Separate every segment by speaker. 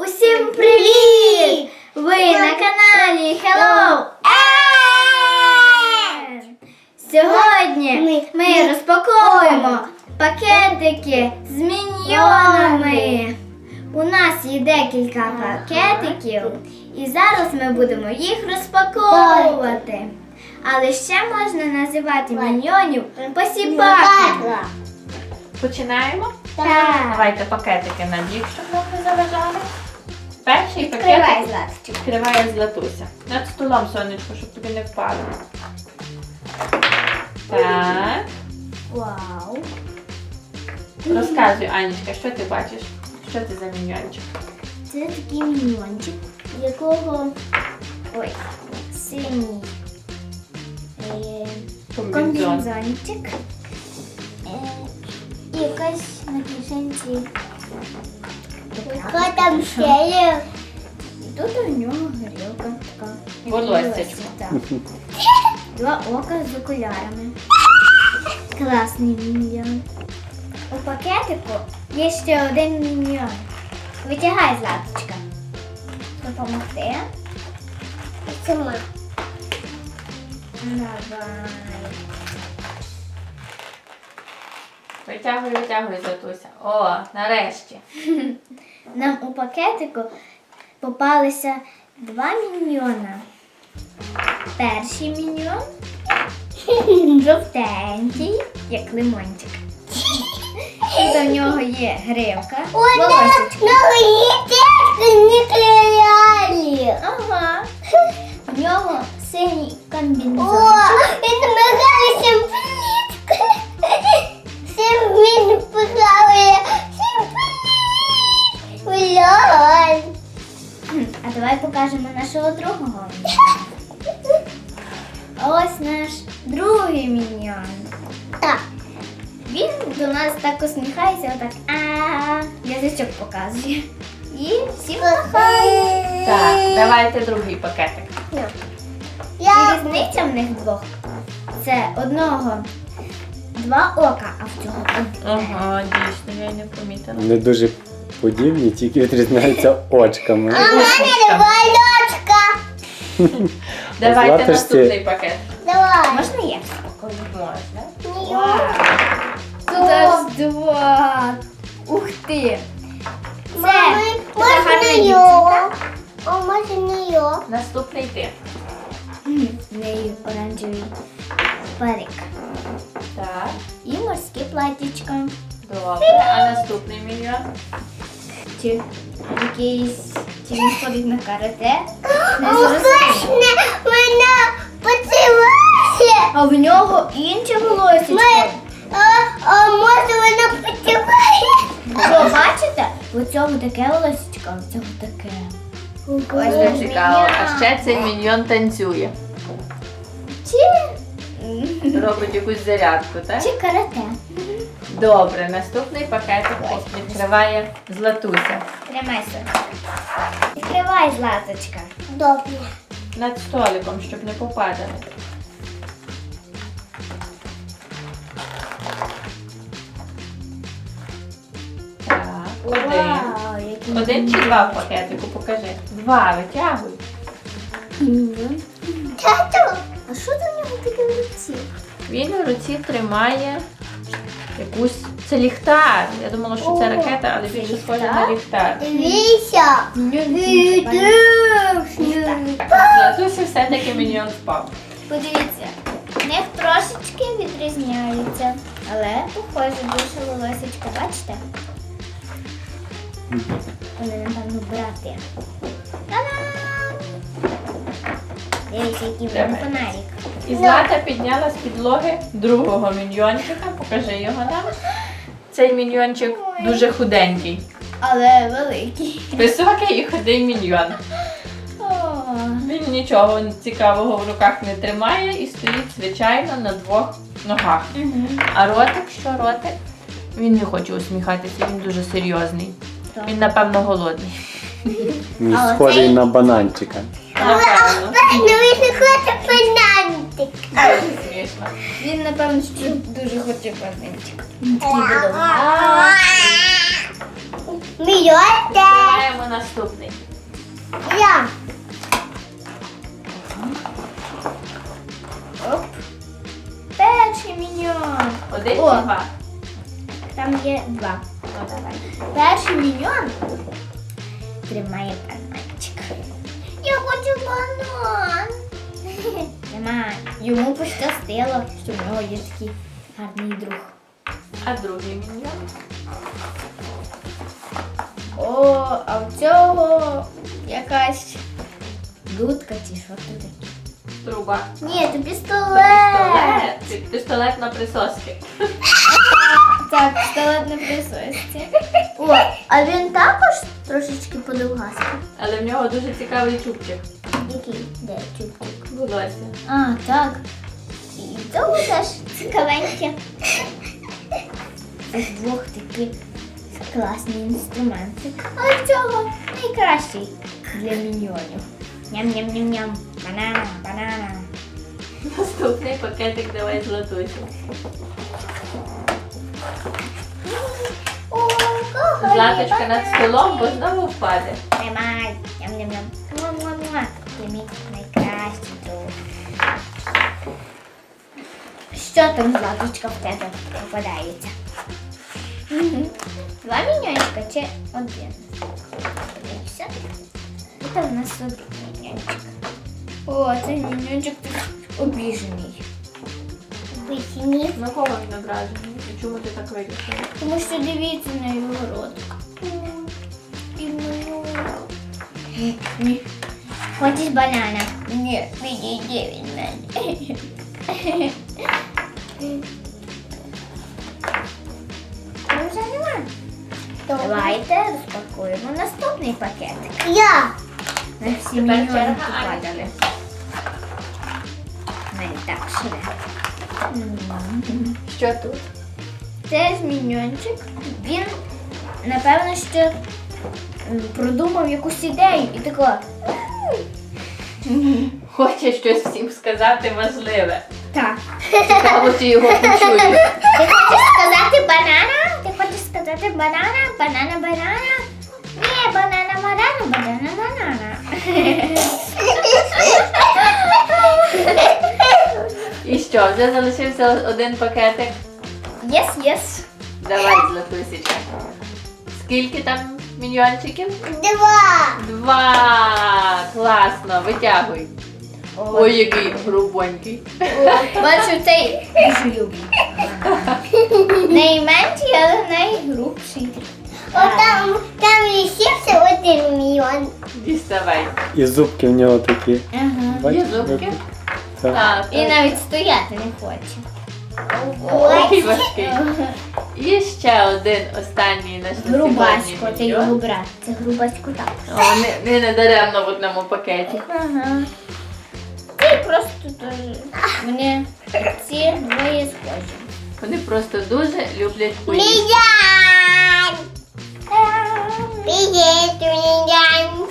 Speaker 1: Усім привіт! Ви на каналі Hello Air! Сьогодні ми розпаковуємо пакетики з міньйонами. У нас є декілька пакетиків і зараз ми будемо їх розпаковувати. Але ще можна називати міньйонів посіпаками.
Speaker 2: Починаємо?
Speaker 1: Так.
Speaker 2: Давайте пакетики на бік, щоб нам не заважали. Перший
Speaker 1: Відкривай,
Speaker 2: пакетик
Speaker 1: Златочка.
Speaker 2: відкриває Златуся. Над столом, сонечко, щоб тобі не впало. Так.
Speaker 1: Вау.
Speaker 2: Розказуй, Анечка, що ти бачиш? Що це за міньйончик?
Speaker 1: Це такий міньйончик, якого синій комбінзончик. І якась на кишенці. Яка там ще є? І тут у нього горілка така.
Speaker 2: Волоссячко.
Speaker 1: Так. Два ока з окулярами. Класний міньйон. У пакетику є ще один міньйон. Витягай, Златочка. Допомогти. Сама. Давай.
Speaker 2: Витягуй, Златуся. О, нарешті.
Speaker 1: Нам у пакетику попалися два міньйона. Перший міньйон жовтенький, як лимончик. І до нього є гривка, волосечко. Ага. У нього синій комбінзончик. А давай покажемо нашого другого. Ось наш другий міньйон. Так. Він до нас так усміхається, отак язичок показує. І всім махає.
Speaker 2: Так, давайте другий пакетик.
Speaker 1: І різниця в них двох. Це одного два ока, а в цього одне.
Speaker 2: Ага, дійсно, я й не помітила.
Speaker 3: Вони дуже подібні, тільки відрізняються очками.
Speaker 2: Давайте
Speaker 3: Златочці-
Speaker 2: наступний пакет.
Speaker 1: Давай. Можна я?
Speaker 2: Можна.
Speaker 1: Вау. Тут аж два. Ух ти. Це така гарна дівчинка.
Speaker 2: Наступний ти.
Speaker 1: В неї оранжевий парик.
Speaker 2: Так,
Speaker 1: І морське платтячко.
Speaker 2: добре. А наступний міньйон?
Speaker 1: Чи якийсь, чи він ходить на карате. Не зрозуміло. А в нього інше волосечко. Що, бачите? У цього таке волосечко, а у цього таке. Ось
Speaker 2: Це
Speaker 1: наш
Speaker 2: цікаво. А
Speaker 1: міньйон.
Speaker 2: ще цей міньйон танцює. Робить якусь зарядку, так?
Speaker 1: Чи карате.
Speaker 2: Добре, наступний пакетик відкриває Златуся.
Speaker 1: Тримайся. Відкривай, Златочка. Добре.
Speaker 2: Над столиком, щоб не попадали. Так, один. Один чи два в пакетику, покажи. Два, витягуй.
Speaker 1: Тато, а що до нього таке в руці?
Speaker 2: Він у руці тримає якусь... Це ліхтар. Я думала, що це
Speaker 1: О,
Speaker 2: ракета, але
Speaker 1: це
Speaker 2: більше
Speaker 1: ліхтар?
Speaker 2: схоже на ліхтар.
Speaker 1: Дивіться.
Speaker 2: Так, Златусі все-таки міньйон впав.
Speaker 1: Подивіться, в них трошечки відрізняються, але похоже більше волосечко, бачите? Вони, напевно, брати. Та-дам! Дивіться, який в мене
Speaker 2: Давай.
Speaker 1: фонарик.
Speaker 2: І Злата підняла з підлоги другого міньйончика. Покажи його нам. Цей міньйончик дуже худенький.
Speaker 1: Але великий.
Speaker 2: Високий і худий міньйон.
Speaker 1: О,
Speaker 2: Він нічого цікавого в руках не тримає і стоїть, звичайно, на двох ногах. А ротик, що ротик? Він не хоче усміхатися, він дуже серйозний.
Speaker 1: Так.
Speaker 2: Він, напевно, голодний.
Speaker 3: Він
Speaker 1: А
Speaker 3: схожий
Speaker 1: оцей?
Speaker 3: на бананчика.
Speaker 2: Напевно.
Speaker 1: він не хоче фонарик.
Speaker 2: Дуже смішно.
Speaker 1: Він, напевно, що дуже хоче фонарик.
Speaker 2: Відкриваємо наступний?
Speaker 1: Я. Оп. Перший міньйон.
Speaker 2: Один
Speaker 1: О.
Speaker 2: чи два?
Speaker 1: Там є два.
Speaker 2: Ну, давай.
Speaker 1: Перший міньйон тримає бананчик. Я хочу банан. Тримай. Йому пощастило, що в нього є такий гарний друг.
Speaker 2: А другий міньйон?
Speaker 1: О, а в цього якась дудка чи що це таке?
Speaker 2: Труба.
Speaker 1: Ні, це пістолет.
Speaker 2: Пістолет. Пістолет на присоски.
Speaker 1: Так, пістолет на присосці. О, а він також трошечки подовгастий.
Speaker 2: Але в нього дуже цікавий чубчик.
Speaker 1: Який? Де чубчик?
Speaker 2: Волосся.
Speaker 1: А, так. І того теж цікавеньке. Це двох такі класні інструменти. Але в цього найкращий для міньйонів. Ням-ням-ням-ням. Банана, банана.
Speaker 2: Наступний пакетик давай златусю.
Speaker 1: О, кого
Speaker 2: Златочка
Speaker 1: є
Speaker 2: над столом, бо знову впаде.
Speaker 1: Тримай. Ням-ням-ням. Муа-муа-муа. Ти мій найкращий друг. Що там, Златочка, в тебе попадається? Два міньйончика чи один? Подивися. Це в нас один міньйончик. О, цей міньйончик обіжений. Обіжений?
Speaker 2: На кого він ображений? І чому ти так вирішила?
Speaker 1: Тому що дивіться на його ротик. І ні. Хочеш банана? Ні, відійди від мене. Вже нема. Давайте розпакуємо наступний пакетик. Я. На всі
Speaker 2: Тепер
Speaker 1: міньйони
Speaker 2: черга
Speaker 1: попадали. Навіть так швидко.
Speaker 2: Що тут?
Speaker 1: Теж міньйончик. Він, напевно, що продумав якусь ідею і тако.
Speaker 2: Хоче щось всім сказати важливе.
Speaker 1: Так.
Speaker 2: Цікаво, чи його почують.
Speaker 1: Ти хочеш сказати банана? Ти хочеш сказати банана? Банана, банана? Ні, банана, банана, банана, банана.
Speaker 2: І що, вже залишився один пакетик?
Speaker 1: Єс.
Speaker 2: Давай, Златусічка. Скільки там міньйончиків?
Speaker 1: Два.
Speaker 2: 2! Класно, витягуй. Ой, який грубонький.
Speaker 1: Бачу, цей дуже любий. Найменший, але найгрубший. Там лишився один мільйон.
Speaker 2: Діставай.
Speaker 3: І зубки в нього такі.
Speaker 1: Ага.
Speaker 3: Бачиш,
Speaker 2: Є зубки?
Speaker 3: як- Так.
Speaker 2: Так.
Speaker 1: І навіть стояти не хоче.
Speaker 2: Ой, важкий. І ще один останній наш на
Speaker 1: Грубасько,
Speaker 2: сьогодні
Speaker 1: це його
Speaker 2: міньйон.
Speaker 1: брат. Це грубасько так.
Speaker 2: О, не даремно в одному пакеті.
Speaker 1: Ага. Ти просто теж. Мені ці двоє схожі.
Speaker 2: Вони просто дуже люблять поїсти.
Speaker 1: Мільян! Привіт, Мільян!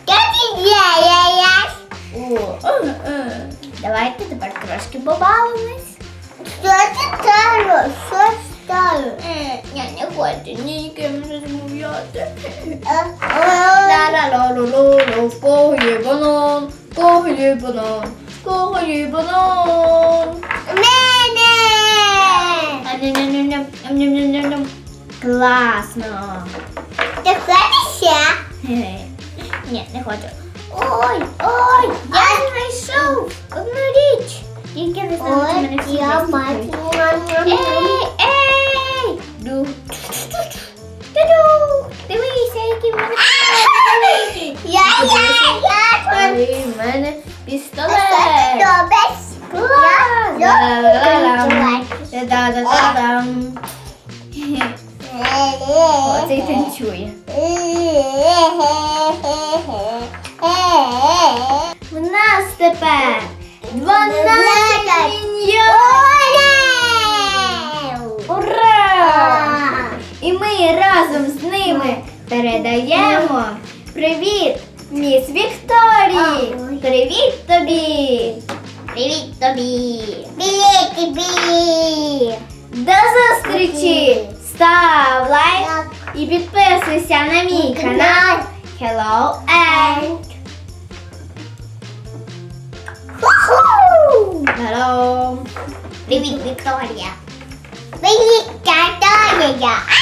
Speaker 1: Давайте тепер трошки побавимось. Що це стало? Що стало? Я не хочу ні з ким розмовляти. Ла-ла-ла-ла-ла-ла, в кого є банан? В кого є банан? В кого є банан? Мене! Ням-ням-ням-ням. Класно. Ти хочеш ще? Ні, не хочу. Ой, я знайшов одну річ. Тільки не знаю, чи мене всі слухають. Ей! Дивися, який в мене пістолет. В мене пістолет. Та-да-да-да-дам. Оцей танцює. В нас тепер 12 міньйонів! Ура! І ми разом з ними передаємо привіт міс Вікторії! Привіт тобі! Привіт тобі! Привіт тобі! До зустрічі! Став лайк і підписуйся на мій канал Hello and Hello. Привіт, Вікторія. Привіт, Вікторія.